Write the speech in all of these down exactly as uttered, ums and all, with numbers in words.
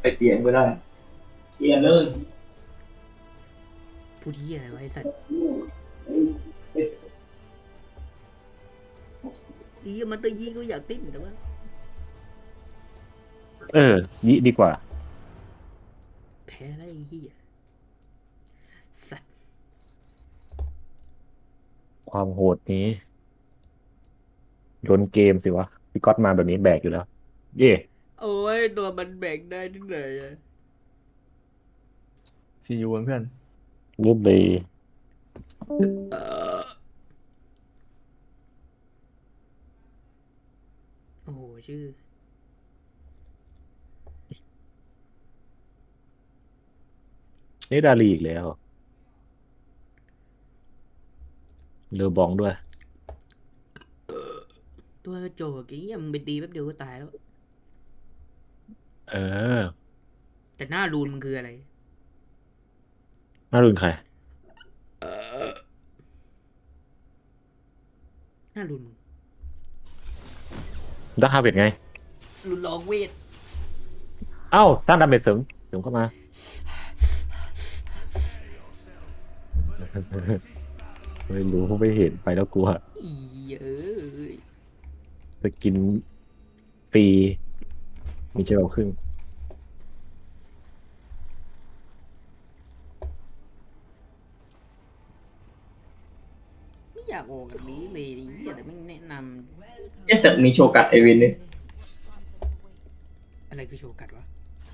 ไปเปลี่ยนก็ได้เปลี่ยนเลยพูดเหี้ยอะไรวะไอ้สัตว์อีมันตัวยีก็อยากติ้นแต่ว่าเออยิดีกว่าแพ้แล้วไอ้เหี้ยสัตว์ความโหดนี้โยนเกมสิวะพี่ก๊อตมาแบบนี้แบกอยู่แล้วเย่โอ้ยตัวมันแบ่งได้ที่ไหนอะซีอูเพื่อนรูปเลยโอ้โหชื่อนี่ดาลีอีกแล้วเลอบองด้วยตัวโจกไอ้เหี้ยมึงไปตีแป๊บเดียวก็ตายแล้วเออแต่หน้ารูนมันคืออะไรน่ารุนใครหน้ารูนมึงดักฮาเวดไงรูนลองเวทเอ้าตั้งดาเมจเสริมเสริมเข้ามาไม่รู้ไม่เห็นไปแล้วกลัวอีเอ้ยจะกินฟรีมีเจลครึ่งไม่อยากออกแบบนี้เลยดิเหี้ยแต่ไม่แนะนเจ๊สัตว์มีโชกัดไอวินเนี่ยำอะไรคือโชว์กัดวะ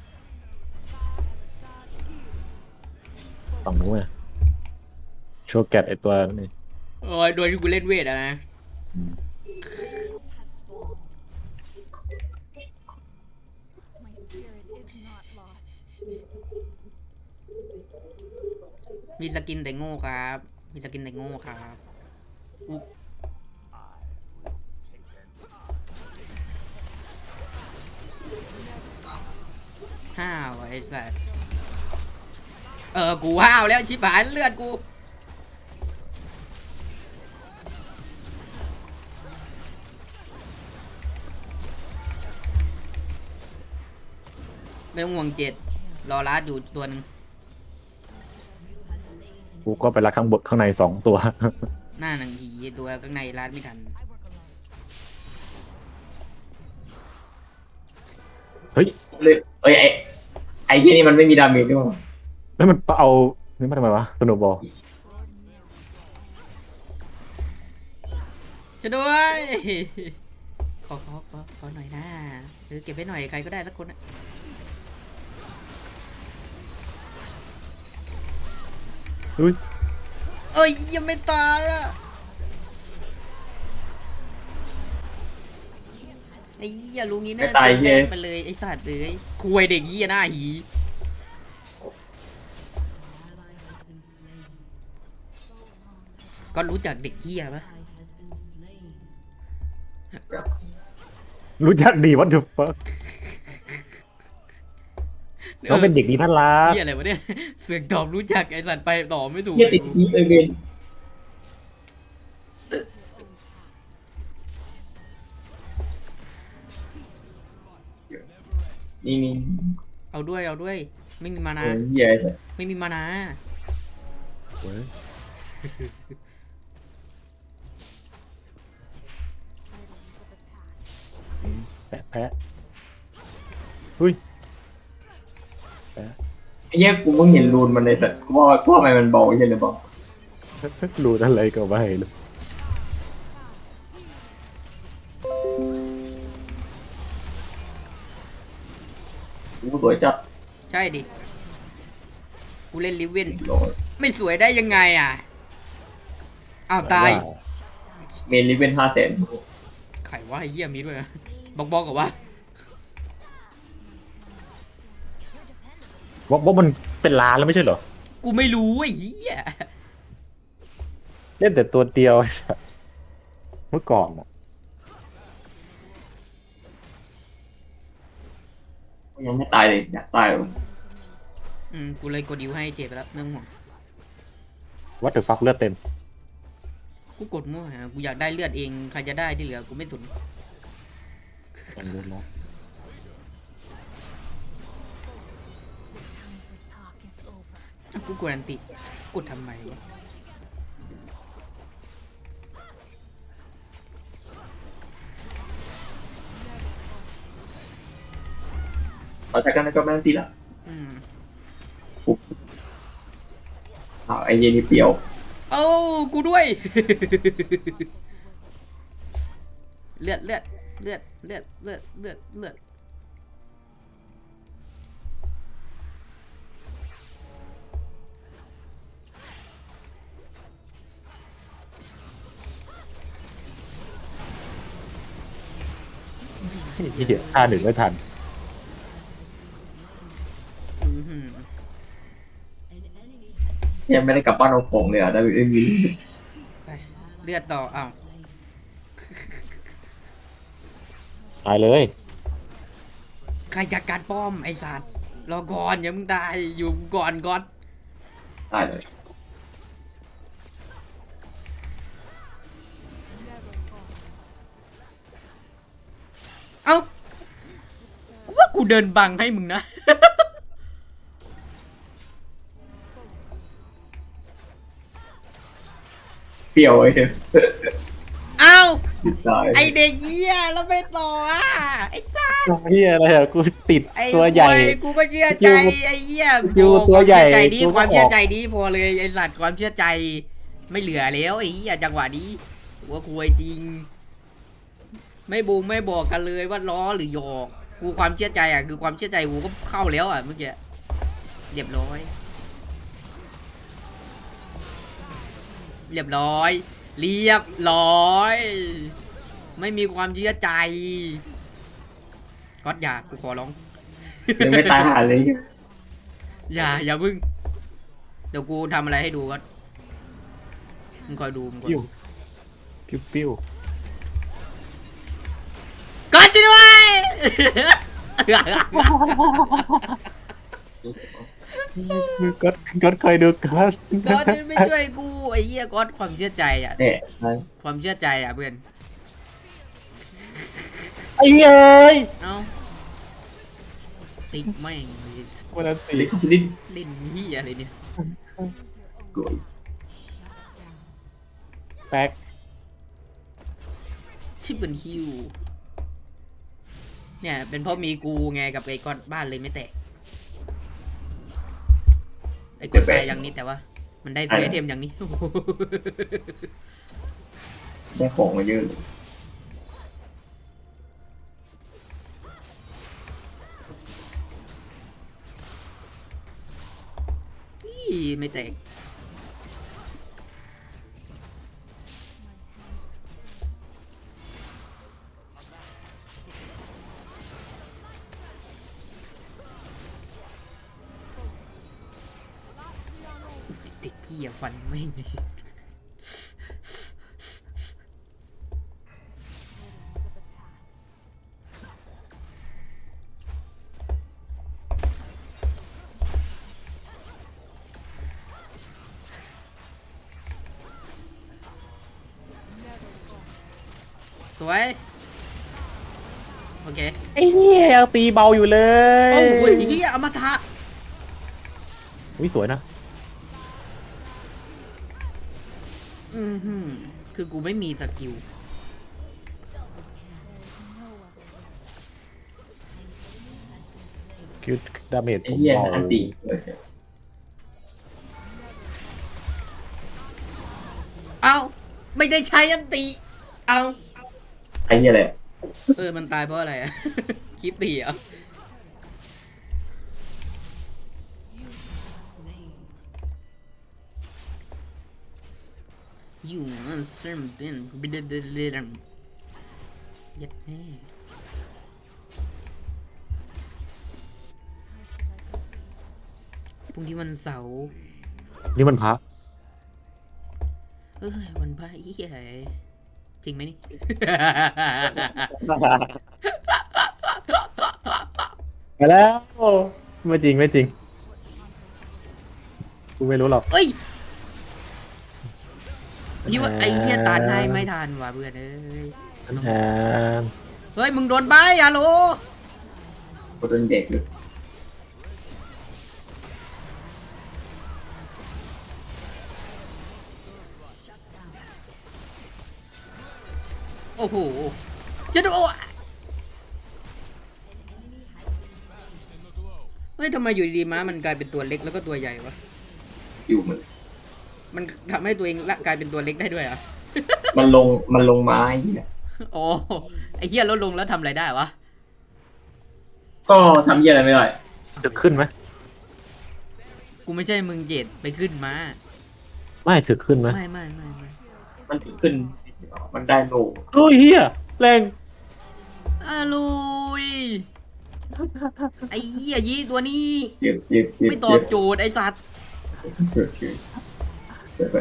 ฝั่งนู้นอะโชว์แกตไอตัวนี่โอ้ยโดยที่กูเล่นเวทอะนะมีสกินแต่โง่ครับมีสกินแต่โง่ครับอุ๊บห้าวไอ้สัสเออกูห้าวแล้วชิบหายเลือดกูไม่ต้องห่วงเจ็ดรอรัดอยู่ตัวหนึ่งกูก็ไปรักข้างบนข้างในสองตัวหน้าหนังผีตัวข้างในรัดไม่ทันเฮ้ยเลยเอ้ยไอไอ้ที่นี่มันไม่มีดาเมจด้วยมั้งแล้วมันเอานี่มาทำไมวะสโนว์บอลจะด้วยขอขอขอขอหน่อยนะหรือเก็บไว้หน่อยใครก็ได้สักคนอะอุ้ยเอ้ยยังไม่ตายอ่ะไอ้เหี้ยลุงนี้น่าแดงไปเลยไอ้สัตว์เลยคุยเด็กเหี้ยหน้าหีก็รู้จักเด็กเหี้ยปะรู้จักดีวัตถุฟักเขาเป็นเด็กดีน่ารักเหี้ยอะไรวะเนี่ยเสือกตอบรู้จักไอ้สัตว์ไปตอบไม่ถูกเฮียติดคีไอวินนี่นี่เอาด้วยเอาด้วยไม่มีมาเอนาอเฮียไอ้สัตว์ไม่มีมานาเว้ยแปะแปะอุ้ยแปะไอ้เหี้ยกูเพิ่งเห็นรูนมันในสัตว์กูว่ากูว่าทำไมมันเบาใช่หรือเปล่ารู้อะไรก็ไม่รู้กูสวยจัดใช่ดิกูเล่นลิเวนโหลดไม่สวยได้ยังไงอ่ะอ้าวตายเมนลิเวนห้าแสนไขว่าไอ้เหี้ยมีด้วยนะบอกบอกกับว่าว่าว่ามันเป็นล้านแล้วไม่ใช่เหรอกูไม่รู้ไอ้เหี้ยเล่นแต่ตัวเดียว เมื่อก่อนอะยังไม่ตายเลยอยากตายเลยอืมกูเลยกดดิวให้เจ็บไปแล้วเรื่องห่วงวัตถุฟักเลือดเต็มกูกดมั่วฮะกูอยากได้เลือดเองใครจะได้ที่เหลือกูไม่สนมันเลือดแล้วกูกดอันติกดทำไมวะเราจากกันก็ไม่ต้องตีละอืมอ้าวไอ้เย็นนี่เปรียวโอ้กูด้วย เลือดเลือดเลือดเลือดเลือดเลือดเลือดที่เหี้ยท่าหนึ่งไม่ทันอื้อหือยังไม่ได้กลับบ้านเอาของเลยอ่ะได้ไม่มีไปเลือดต่ออ้าวตายเลยใครจัดการป้อมไอสัตว์รอก่อนอย่ามึงตายอยู่ก่อนก่อนได้เลยเอ้ากูว่ากูเดินบังให้มึงนะเปรียวไอ้เหี้ยเอ้าติดตายไอเด็กเหี้ยแล้วไปต่ออ่ะไอสัตว์เฮียอะไรอะกูติดไอ้ตัวใหญ่ควยกูก็เชื่อใจไอ้เหี้ยอยู่โอ้ตัวใหญ่ความเชื่อใจดีกูก็ความเชื่อออกใจดีพอเลยไอ้สัตว์ความเชื่อใจ ไม่เหลือแล้วไอ้เหี้ยจังหวะนี้หัว่าควยจริง ไม่บูมไม่บอกกันเลยว่าล้อหรือหยอกกูความเชื่อใจอ่ะคือความเชื่อใจกูก็เข้าแล้วอ่ะเมื่อกี้เรียบร้อย เรียบร้อย เรียบร้อย ไม่มีความเชื่อใจก๊อตอย่ากูขอร้องยังไม่ตายหาเลยอย่าอย่าพึ่งเดี๋ยวกูทำอะไรให้ดูก็มึงคอยดูมึงคอยปิ้วดูปิ้วปิ้วก็ช่วยด้วยก็ก็คอยดูก็ก็ไม่ช่วยกูไอ้เหี้ยก็ความเชื่อใจอ่ะเนี่ยนะความเชื่อใจอ่ะเพื่อนไอ้เอ้ยเอ้าติดแม่งวันนั้นตีลิขสิทธิ์เล่นเหี้ยอะไรเนี่ยกูแป๊กที่เป็นฮิวเนี่ยเป็นเพราะมีกูไงกับไอ้ก้อนบ้านเลยไม่แตกไอ้ก้อนตายอย่างนี้แต่ว่า มันได้เฟรเทมอย่างนี้ได้ของมาเยอะอี้ไม่แตกเด็กเกียฟันไม่มีสวย โอเคไอ้เหี้ยยังตีเบาอยู่เลยโอ้โหเฮียอมตะอุ้ยสวยนะอือหือคือกูไม่มีสกิลคิวดาเมจไอ้เหี้ยเบาอันตีเลยเอ้า ไม่ได้ใช้อันติ เอ้าไอ้เหี้ยอะไรเออ มันตายเพราะอะไรอะ คลิปตีเหรอ อยู่นั่นเซมเป็นบิดเดเดมยัดแม่พรุ่งนี้วันเสาร์นี่มันพระเอ้ยวันพระอีเหี้ยจริงไหมนี่ไปแล้วไม่จริงไม่จริงกูไม่รู้หรอกเอ้ยยี่ว่าไอ้เหี้ยตาหนายไม่ทันว่ะเพื่อนเอ้ยอ่าเฮ้ย มึงโดนใบฮัลโหลกูโดนเด็กอยู่โอ้โหจะดูเฮ้ยทำไมอยู่ดีๆม้ามันกลายเป็นตัวเล็กแล้วก็ตัวใหญ่วะอยู่มันมันทำให้ตัวเองละกลายเป็นตัวเล็กได้ด้วยเหรอ่ะมันลงมันลงไม้เนี่ยอ๋อไอ้เหี้ยลดลงแล้วทำอะไรได้วะก็ทำเยี่ยอะไรไม่ได้ถึกขึ้นไหมกูไม่ใช่มึงเจ็ดไปขึ้นมาไม่ถึกขึ้นไหมไม่ไม่ไม่ไม่มันถึงขึ้นมันได้โลโอ้ยเฮียแรงอาลุยไอ้เหี้ยยี่ตัวนี้เจ็บเจ็บเจ็บไม่ตอบโจทย์ไอ้สัตว์เจ็บเจ็บเจ็บไป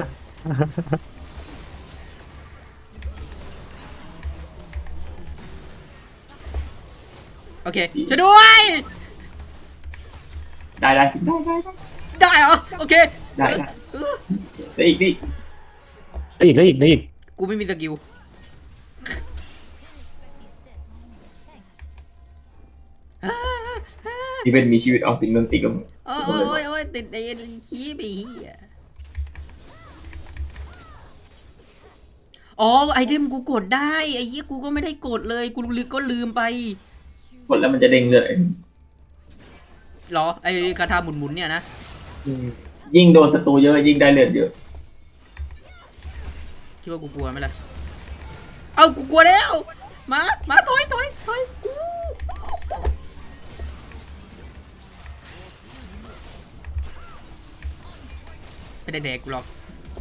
โอเคช่วยด้วยได้ได้ได้ได้ได้ได้เหรอโอเคได้ได้เออได้อีกดิได้อีกได้อีกได้อีกกูไม่มีสกิลที่เป็นมีชีวิตเอาสิ่งนั้นติดกับมึงโอ้ยโอ้ยโอ้ยติดไอ้ขี้ไปเหี้ยอ๋อไอเทมกูกดได้ไอ้เหี้ยกูก็ไม่ได้กดเลยกูลืมก็ลืมไปกดแล้วมันจะเด้งเลือดเหรอไอ้กระทาหมุนๆเนี่ยนะอืมยิ่งโดนศัตรูเยอะยิ่งได้เลือดเยอะคิดว่ากูกลัวไหมล่ะเอากูกลัวแล้วมามาถอยถอยถอยอู้ไม่ได้แดกกูหรอก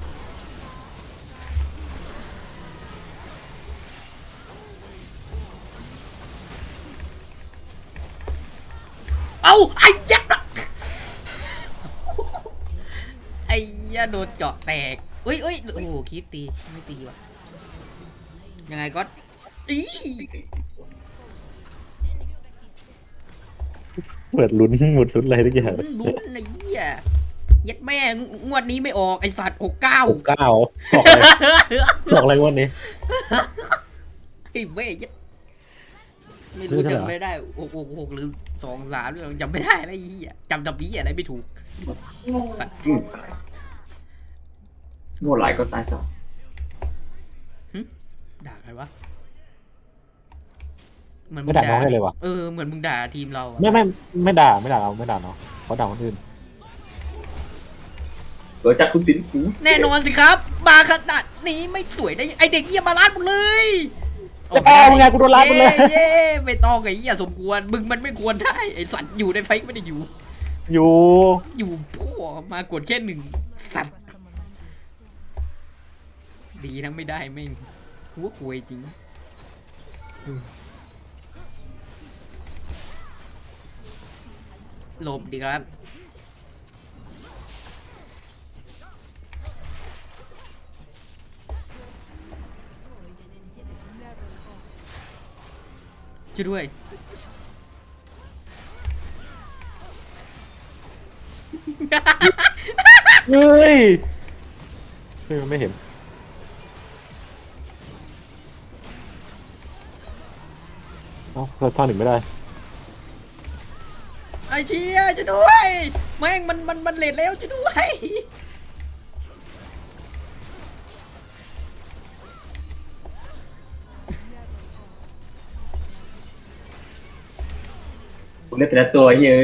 เอาไอ้ยักษ์ไอ้ยาโดนเจาะแตกเอ้ยเอ้ยโอ้โหคิดตีไม่ตีว่ะยังไงก็อีเปิดลุ้นหมดลุ้นอะไรทุกอย่างลุ้นไอ้เหี้ยยัดแม่งวดนี้ไม่ออกไอสัตว์หกเก้าหกเก้าบอกอะไรบอกอะไรวันนี้ไอ้แม่ยัดไม่รู้จำไม่ได้หกหกหกหรือสองสามหรือจำไม่ได้อะไรไอ้เหี้ยจำจำนี้อะไรไม่ถูกสัตว์อืมโง่หลายก็ตายต่อด่าใครวะเหมือนไม่ด่าน้องให้เลยวะเออเหมือนมึงด่าทีมเราอะไม่ไม่ไม่ด่าไม่ด่าเราไม่ด่าเนาะเขาด่าคนอื่นเกิดจากคุณสินหูแน่นอนสิครับมาขนาดนี้ไม่สวยได้ไอเด็กเหี้ยมาล้านหมดเลยจะแปลมึงไงกูโดนรัดมึงเลยเย้ไม่ต้องไอ้เหี้ยสมควรมึงมันไม่ควรได้ไอสัตว์อยู่ในไฟไม่ได้อยู่อยู่อยู่พ่อมากดแค่หนึ่งสัตว์ดีนะไม่ได้ไม่งหัวควยจริงหลบดีครับช่วยด้วยเฮ้ยเฮ้ยมันไม่เห็นเอ้าเราท่อนหนึ่งไม่ได้ไอ้เชี่ยช่วยด้วยแม่งมันมันมันเลทแล้วช่วยด้วยผมเล่นแต่ละตัวเยอะ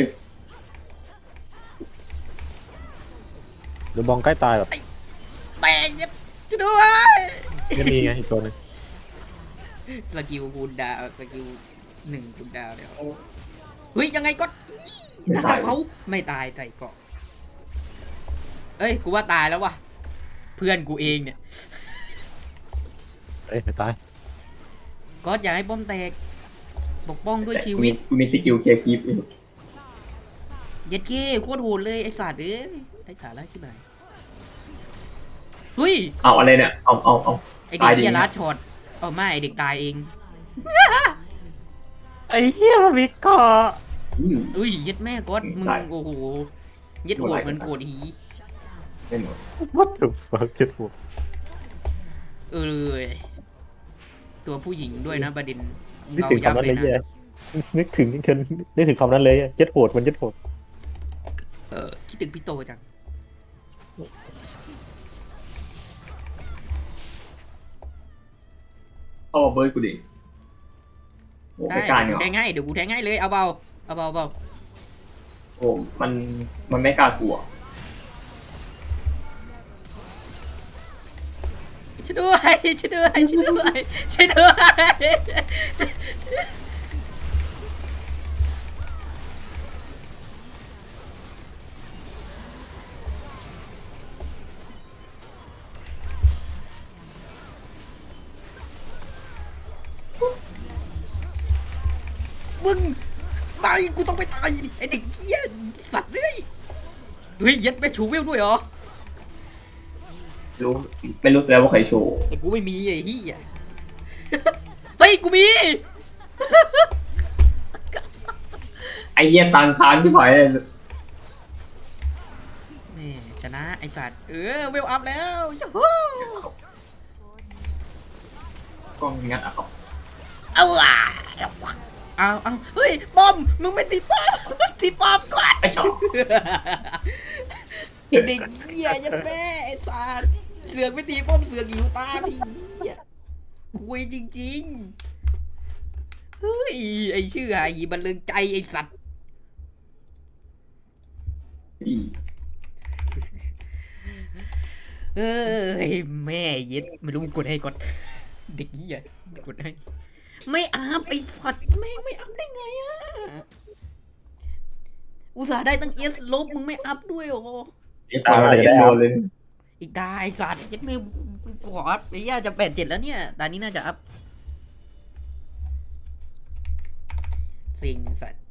เดี๋ยวบองใกล้ตายแบบแตกยัดช่วยด้วยยังมีไงอีกตัวหนึงสกิลคูณดาวสกิลหนึ่งคูณดาวเดี๋ยวเฮ้ยยังไงก็อีหน้ากากเผาไม่ตายใส่เกาะเอ้ยกูว่าตายแล้ววะเพื่อนกูเองเนี่ยเอ้ยไม่ตายก็อย่าให้ป้อมแตกปกป้องด้วยชีกูวิมีตกูมีสกิลเคลียร์คลิปอยู่เย็ดเก้โคตรโหดเลยไอ้สัตว์เอ้ยไอ้สาระใช่ไหมเฮ้ยเอาอะไรเนี่ยเอาเอาเอาไอเด็กตายดิเฮียรัดช็อตเอาไม่ไอเด็กตายเองไอ้เหี้ยมันมีเกาะอืมอุ้ยเย็ดแม่ก๊อตมึงตายโอ้โหเย็ดโหดเหมือนโกดหีไม่หมดวัดถูกฟังเจ็ดหัวเออเลยตัวผู้หญิงด้วยนะประเด็นนึกถึงคำนั้นเลยนะแย่นึกถึงนึกถึงนึกถึงคำนั้นเลยเจ็ดโหดมันเจ็ดโหดเออคิดถึงพี่โตจังเข้ามาเบิร์ดกูดิโอ้ได้ไม่กล้าเดี๋เนี่ยยวกูแทงให้เดี๋ยวกูแทงให้เลยเอาเบาเอาเบาเบาโอ้มันมันไม่กล้ากลัวช่วยด้วยช่วยด้วยช่วยด้วยช่วยด้วยมึงตายกูต้องไปตายไอเด็กเหี้ยสัตว์เลยเฮ้ยยัดไปชูวิวด้วยเหรอรู้ไม่รู้แล้วว่าใครโชว์แต่กูไม่มีไอ้เหี้ยเฮ้ยกูมีไอ้เหี้ยตังค้างที่ไหนเลยแม่ชนะไอสัตว์เออเวลอัพแล้วยูฮูกล้องงัดอ่ะครับเอาอ่ะเอาเอาเฮ้ยบอมมึงไม่ตีป้อมตีป้อมก่อนไอ้ชอบไอเด็กเหี้ยยันแม่ไอสัตว์เสือกไม่ตีป้อมเสือกหิวตาพี่เหี้ยคุยจริงๆเฮ้ยไอชื่อหาหีบันเริงใจไอสัตว์อีเอ้ยแม่เย็ดไม่รู้มึงกดให้ก่อนเด็กเหี้ยกดให้ไม่อัพไอสัตว์ไม่ไม่อัพได้ไงอะอุตส่าห์ได้ตั้งเอสลบมึงไม่อัพด้วยเหรอไอ้ตาอะไรโดนเลยอีกตาไอสัตว์ยัดไม่กูขออัพไอ้ย่าจะแปดเจ็ดแล้วเนี่ยตอนนี้น่าจะอัพสิงสัตว์